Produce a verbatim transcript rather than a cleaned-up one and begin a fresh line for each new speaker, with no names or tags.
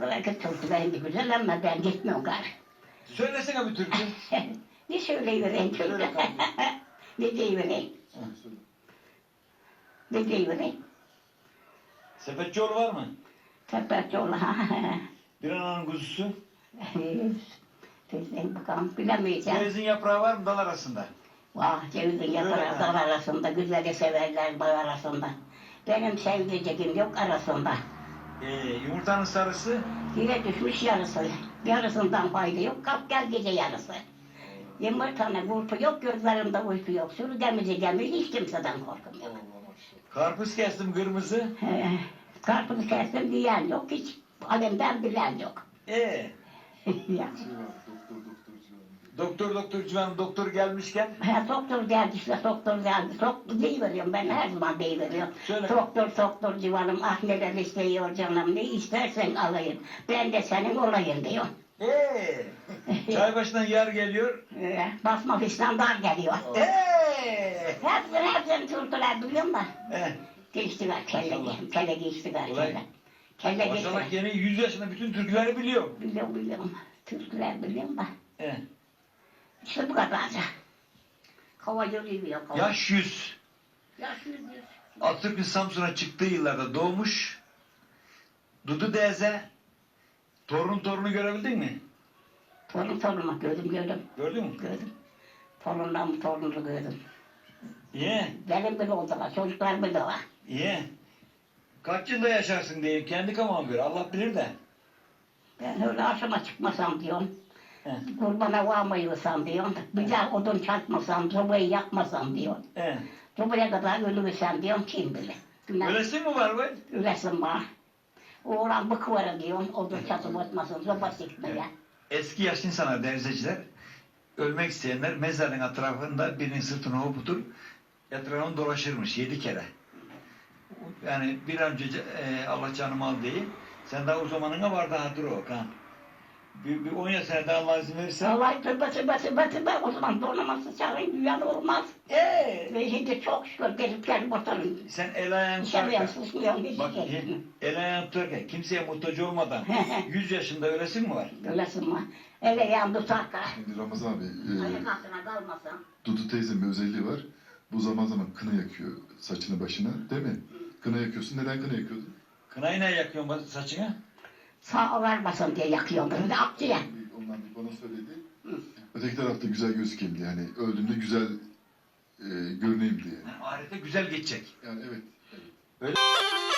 Belki türkülerin güzel ama ben gitmiyorum gari.
Söylesene bir türkü.
Ne söyleyivereyim türkü?
Söyle kardeşim.
Ne diyivereyim? Ne diyivereyim?
Sepetçioğlu var mı?
Sepetçi ola ha.
Bir ananın kuzusu.
Tezden bakalım bilemeyeceğim.
Cevizin yaprağı var mı dal arasında?
Vah cevizin yaprağı dal arasında, güzeli severler dal arasında. Benim sevdiceğim yok arasında.
Ee, yumurtanın sarısı.
Yine düşmüş yarısı. Yarısından fayda yok. Kalk gel gece yarısı. Yumurtanın kurpu yok, gözlerimde uyku yok. Sürüdemizi gemi hiç kimseden korkum yok.
Karpuz kestim kırmızı.
Ee, karpuzu kestim diyen yok, hiç alemden bilen yok.
Ee,
Ya.
doktor doktor civan doktor gelmişken.
Ha, doktor geldi işte, doktor geldi. Doktor deyiveriyorum, ben her zaman deyiveriyorum.
Söyle.
Doktor, doktor civanım, ah neler istiyor canım, ne istersen alayım. Ben de senin olayım diyor.
Ee, çay başından yer geliyor.
Ee, basma fislandar geliyor.
Ee,
Hepsini hepsini tuttular biliyorum da.
eh,
Geçtiler kelle,
Maşallah.
kelle geçtiler
Kolay.
kelle. Kelle
maşallah
geçtiler.
yeni yüz yaşında bütün türküleri biliyor.
Biliyorum biliyorum. Türküler biliyorum da.
Eh,
İşte bu kadarca. Kova yürüyor kova.
yaş yüz.
Yaş yüz yüz.
Atatürk'ün Samsun'a çıktığı yıllarda doğmuş. Dudu Deze. Torun torunu görebildin mi?
Torun torunu gördüm gördüm.
Gördün mü?
Gördüm. Torundan torununu gördüm.
Ye,
Benim bile oldular, çocuklar bile var.
ye. Kaç yılda yaşarsın diye kendi kafama göre Allah bilir de.
Ben öyle aşama çıkmasam diyorum.
He.
Kurbana varmayırsam diyorum. Bir daha odun çakmasam, sobayı yakmasam diyorum.
He.
Sobaya kadar ölürsem diyorum, kim bilir. Günah
Öylesi mi var be?
üresim var. Oğlan bıkıvara diyorum, odun çatıp atmasın, soba sıkmaya.
Eski yaşlı insanlar, derzeciler, ölmek isteyenler mezarın etrafında birinin sırtını hoputur, etrafını dolaşırmış yedi kere. Yani bir an önce e, Allah canımı al diye. Sen daha o zamanına var daha dur o kan. Bir, bir on ya sene daha Allah izin verirse.
Vallahi tövbe tövbe tövbe tövbe, o zaman donaması çağırın, dünyada olmaz.
Eee!
Ve şimdi çok şükür gelip gelip oturun.
Sen el ayağını
Dışarıya
tutarken,
susmuyorum, hiç
bak
şey.
el ayağını tutarken kimseye muhtaç olmadan yüz yaşında ölesin mi var?
Ölesin var. Ele yan tutarka.
Şimdi Ramazan abi, e,
Ayak altına kalmasın.
Dudu teyzemin bir özelliği var. Bu zaman zaman kına yakıyor saçını başına, değil mi? Kına yakıyorsun. Neden kına yakıyordun?
Kınayı ne yakıyorsun saçına?
Sağ vermesin diye yakıyordu. Bir de akçıya.
Ondan bir bana söyledi. Öteki tarafta güzel gözükeyim diye. Yani öldüğümde güzel e, görüneyim diye.
Yani ahirette güzel geçecek.
Yani evet.
Öyle